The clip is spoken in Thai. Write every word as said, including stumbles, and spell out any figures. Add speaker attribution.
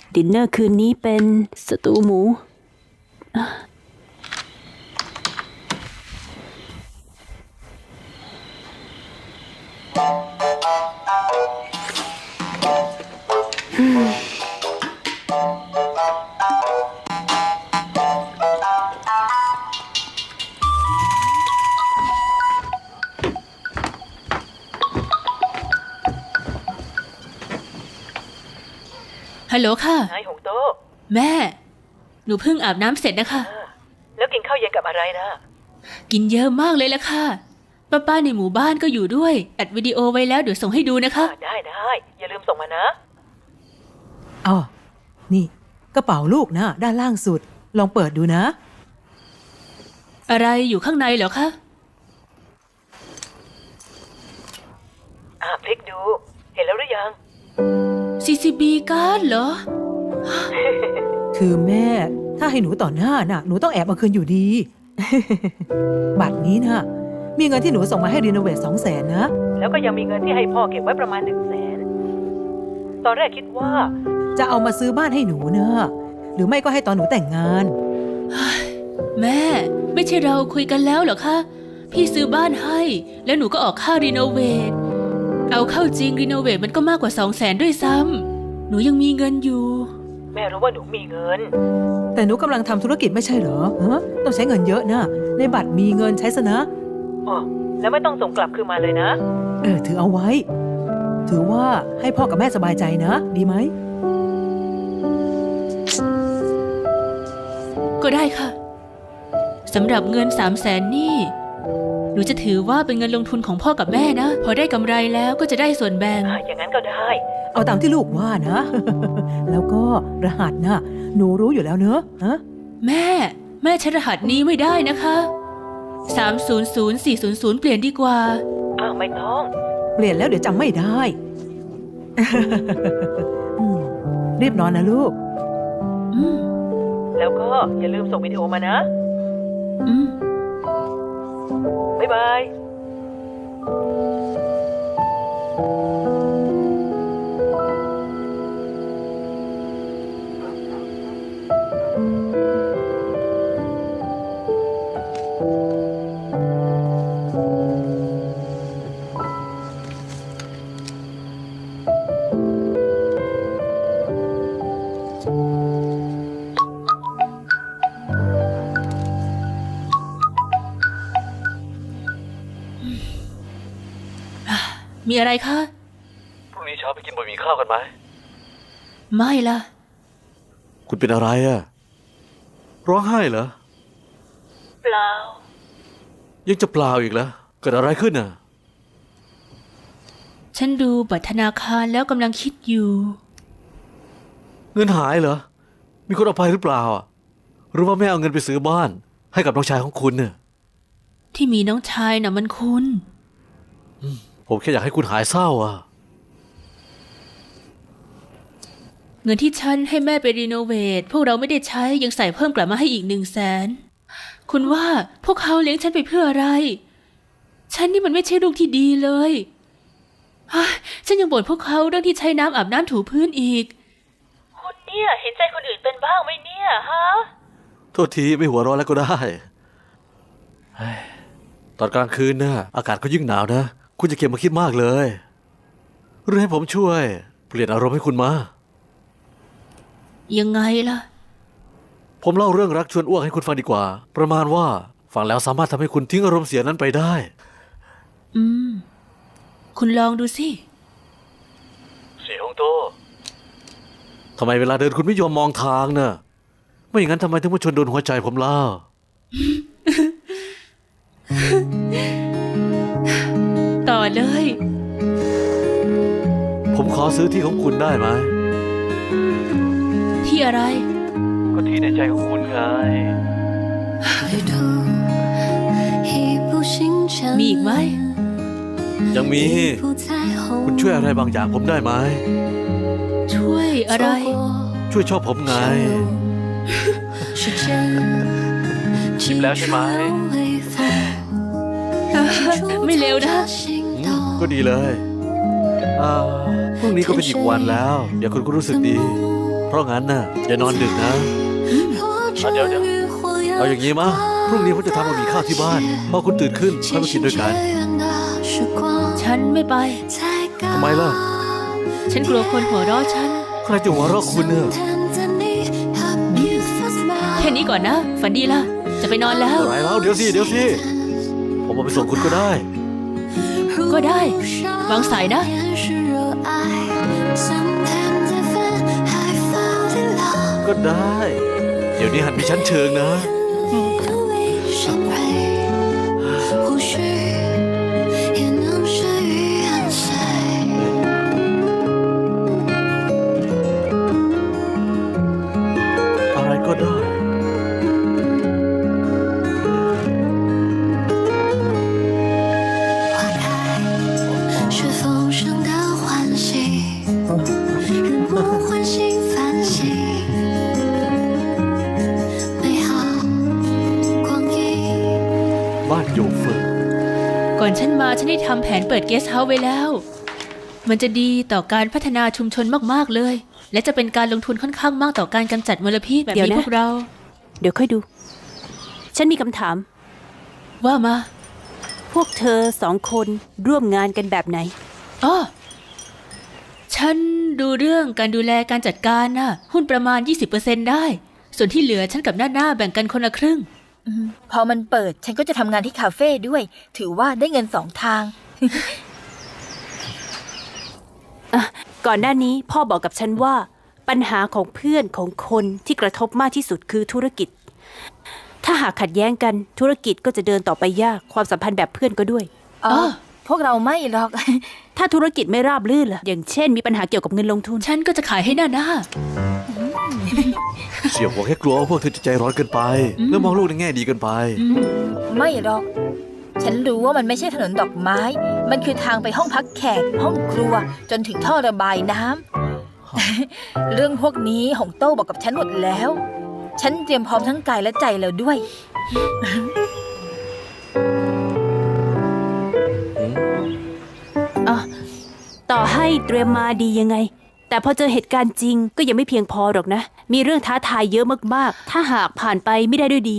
Speaker 1: ดินเนอร์คืนนี้เป็นสตูหมู
Speaker 2: ฮัลโหลค่ะ
Speaker 3: นายหงโต
Speaker 2: แม่ หนูเพิ่งอาบน้ำเสร็จนะคะ
Speaker 3: แล้วกินข้าวเย็นกับอะไรนะ
Speaker 2: กินเยอะมากเลยละค่ะป้าป้าในหมู่บ้านก็อยู่ด้วยอัดวิดีโอไว้แล้วเดี๋ยวส่งให้ดูนะคะ
Speaker 3: ได้ได้อย่าลืมส่งมานะ
Speaker 4: อ๋อนี่กระเป๋าลูกนะด้านล่างสุดลองเปิดดูนะ
Speaker 2: อะไรอยู่ข้างในเหรอคะ
Speaker 3: อ่าพลิกดูเห็นแล้วหรือยัง
Speaker 2: ซี ซี บี การ์ดเหรอ
Speaker 4: คือแม่ถ้าให้หนูต่อหน้าน่ะหนูต้องแอบเอาคืนอยู่ดี บัตรนี้นะมีเงินที่หนูส่งมาให้รีโนเวทสองแสนนะ
Speaker 3: แล้วก็ยังมีเงินที่ให้พ่อเก็บไว้ประมาณหนึ่งแสนตอนแรกคิดว่า
Speaker 4: จะเอามาซื้อบ้านให้หนูเนอะหรือไม่ก็ให้ตอนหนูแต่งงาน
Speaker 2: แม่ไม่ใช่เราคุยกันแล้วเหรอคะพี่ซื้อบ้านให้แล้วหนูก็ออกค่ารีโนเวทเอาเข้าจริงรีโนเวทมันก็มากกว่าสองแสนด้วยซ้ำหนูยังมีเงินอยู่
Speaker 3: แม่รู้ว่าหนูมีเงิน
Speaker 4: แต่หนูกำลังทำธุรกิจไม่ใช่เหรอฮะต้องใช้เงินเยอะนะในบัตรมีเงินใช้ซะนะ
Speaker 3: อ๋อแล้วไม่ต้องส่งกลับคืนมาเลยนะ
Speaker 4: เออถือเอาไว้ถือว่าให้พ่อกับแม่สบายใจนะดีไหม
Speaker 2: ก็ได้ค่ะสำหรับเงินสามแสนนี่หนูจะถือว่าเป็นเงินลงทุนของพ่อกับแม่นะพอได้กำไรแล้วก็จะได้ส่วนแบ่ง
Speaker 3: อย่างนั้นก็ได้
Speaker 4: เอาตามที่ลูกว่านะ แล้วก็รหัสนะหนูรู้อยู่แล้วเนอะฮะ
Speaker 2: แม่แม่ใช้รหัสนี้ไม่ได้นะคะสาม ศูนย์ ศูนย์ สี่ ศูนย์ ศูนย์เปลี่ยนดีกว่า
Speaker 3: อ้าวไม่ต้อง
Speaker 4: เปลี่ยนแล้วเดี๋ยวจำไม่ได้ รีบนอนนะลูก
Speaker 3: แล้วก็อย่าลืมส่งวิดีโอมานะ
Speaker 2: อืม
Speaker 3: บ๊ายบาย
Speaker 2: มีอะไรคะ
Speaker 5: พรุ่งนี้เช้าไปกินบะหมี่ข้าวกันไหม
Speaker 2: ไม่ล่ะ
Speaker 5: คุณเป็นอะไรอะร้องไห้เหรอ
Speaker 3: เปล่า
Speaker 5: ยังจะเปล่าอีกเหรอเกิดอะไรขึ้นน่ะ
Speaker 2: ฉันดูบัตรธนาคารแล้วกำลังคิดอยู่
Speaker 5: เงินหายเหรอมีคนเอาไปหรือเปล่าหรือว่าแม่เอาเงินไปซื้อบ้านให้กับน้องชายของคุณเนี่ย
Speaker 2: ที่มีน้องชายน่ะมันคุณ
Speaker 5: ผมแค่อยากให้คุณหายเศร้าอ่ะ
Speaker 2: เงินที่ฉันให้แม่ไปรีโนเวทพวกเราไม่ได้ใช้ยังใส่เพิ่มกลับมาให้อีกหนึ่งแสนคุณว่าพวกเขาเลี้ยงฉันไปเพื่ออะไรฉันนี่มันไม่ใช่ลูกที่ดีเลยฉันยังบ่นพวกเขาเรื่องที่ใช้น้ำอาบน้ำถูพื้นอีก
Speaker 3: คุณเนี่ยเห็นใจคนอื่นเป็นบ้างไหมเนี่ยฮะ
Speaker 5: โทษทีไม่หัวร้อนแล้วก็ได้ตอนกลางคืนน่ะอากาศก็ยิ่งหนาวนะคุณจะเก็บมาคิดมากเลยหรือให้ผมช่วยเปลี่ยนอารมณ์ให้คุณมา
Speaker 2: ยังไงล่ะ
Speaker 5: ผมเล่าเรื่องรักชวนอ้วกให้คุณฟังดีกว่าประมาณว่าฟังแล้วสามารถทำให้คุณทิ้งอารมณ์เสียนั้นไปได้
Speaker 2: อืมคุณลองดูสิ
Speaker 5: เสียงโตทำไมเวลาเดินคุณไม่ยอมมองทางน่ะไม่อย่างนั้นทำไมถึงมาชนโดนหัวใจผมล่ะ
Speaker 2: ต่อเลย
Speaker 5: ผมขอซื้อที่ของคุณได้ไหม
Speaker 2: ที่อะไร
Speaker 5: ก็ที่ในใจของคุณไง
Speaker 2: มีอีกไหม
Speaker 5: ยังมีคุณช่วยอะไรบางอย่างผมได้ไหม
Speaker 2: ช่วยอะไร
Speaker 5: ช่วยชอบผมไงชิมแล้วใช่ไหม
Speaker 2: ไม่เร็วนะ
Speaker 5: ก็ดีเลยพรุ่งนี้ก็เป็นอีกวันแล้วเดี๋ยวคุณก็รู้สึกดีเพราะงั้นน่ะอย่านอนดึกนะอ่ะเดี๋ยวเดี๋ยวเอาอย่างนี้มะพรุ่งนี้ผมจะทำบะหมี่ข้าวที่บ้านพอคุณตื่นขึ้นค่อยมากินด้วยกัน
Speaker 2: ฉันไม่ไป
Speaker 5: ทำไมล่ะ
Speaker 2: ฉันกลัวคนหัวเราะฉัน
Speaker 5: ใครจะหัวเราะคุณเนี่ย
Speaker 2: แค่นี้ก่อนนะ ฝันดีล่ะ จะไปนอนแล้ว
Speaker 5: อะไรแล้วเดี๋ยวสิเดี๋ยวสิผมมาไปส่งคุณก็ได้
Speaker 2: ก็ได้ วางสายนะ
Speaker 5: ก็ได้ เดี๋ยวนี้หันไปชั้นเชิงนะ อะไรก็ได้
Speaker 6: 是丰盛的欢喜，让我唤醒反省，美好光阴。
Speaker 5: บ้านโยเฟิร์น
Speaker 2: ก่อนฉันมาฉันได้ทำแผนเปิดเกสต์เฮาส์ไว้แล้ว มันจะดีต่อการพัฒนาชุมชนมากๆเลย และจะเป็นการลงทุนค่อนข้างมากต่อการกำจัดมลพิษแบบ
Speaker 1: เดี๋ยว
Speaker 2: นี้
Speaker 1: นะ
Speaker 2: พวกเรา
Speaker 1: เดี๋ยวค่อยดู ฉันมีคำถาม
Speaker 2: ว่ามา
Speaker 1: พวกเธอสองคนร่วมงานกันแบบไหน
Speaker 2: อ๋อ ฉันดูเรื่องการดูแลการจัดการน่ะ หุ้นประมาณ ยี่สิบเปอร์เซ็นต์ ได้ ส่วนที่เหลือฉันกับหน้าหน้าแบ่งกันคนละครึ่ง
Speaker 7: พอมันเปิดฉันก็จะทำงานที่คาเฟ่ด้วย ถือว่าได้เงินสองทาง
Speaker 1: อ่ะ ก่อนหน้านี้พ่อบอกกับฉันว่า ปัญหาของเพื่อนของคนที่กระทบมากที่สุดคือธุรกิจ ถ้าหากขัดแย้งกันธุรกิจก็จะเดินต่อไปยากความสัมพันธ์แบบเพื่อนก็ด้วย
Speaker 7: อ๋อ
Speaker 2: อ๋อ
Speaker 7: พวกเราไม่หรอก
Speaker 1: ถ้าธุรกิจไม่ราบรื่นล่ะ อย่างเช่นมีปัญหาเกี่ยวกับเงินลงทุน
Speaker 2: ฉันก็จะขายให้หน้าหน้า
Speaker 5: เสี่ยวหัวแค่กลัวว่าพวกเธอจะใจร้อนเกินไป แล้วมองโลกในแง่ดีเกินไป
Speaker 7: ไม่หรอก ฉันรู้ว่ามันไม่ใช่ถนนดอกไม้ มันคือทางไปห้องพักแขก ห้องครัว จนถึงท่อระบายน้ำ เรื่องพวกนี้หงโต้บอกกับฉันหมดแล้ว ฉันเตรียมพร้อมทั้งกายและใจแล้วด้วย
Speaker 1: อ่ะ ต่อให้เตรียมมาดียังไง แต่พอเจอเหตุการณ์จริงก็ยังไม่เพียงพอหรอกนะ มีเรื่องท้าทายเยอะมากๆ ถ้าหากผ่านไปไม่ได้ด้วยดี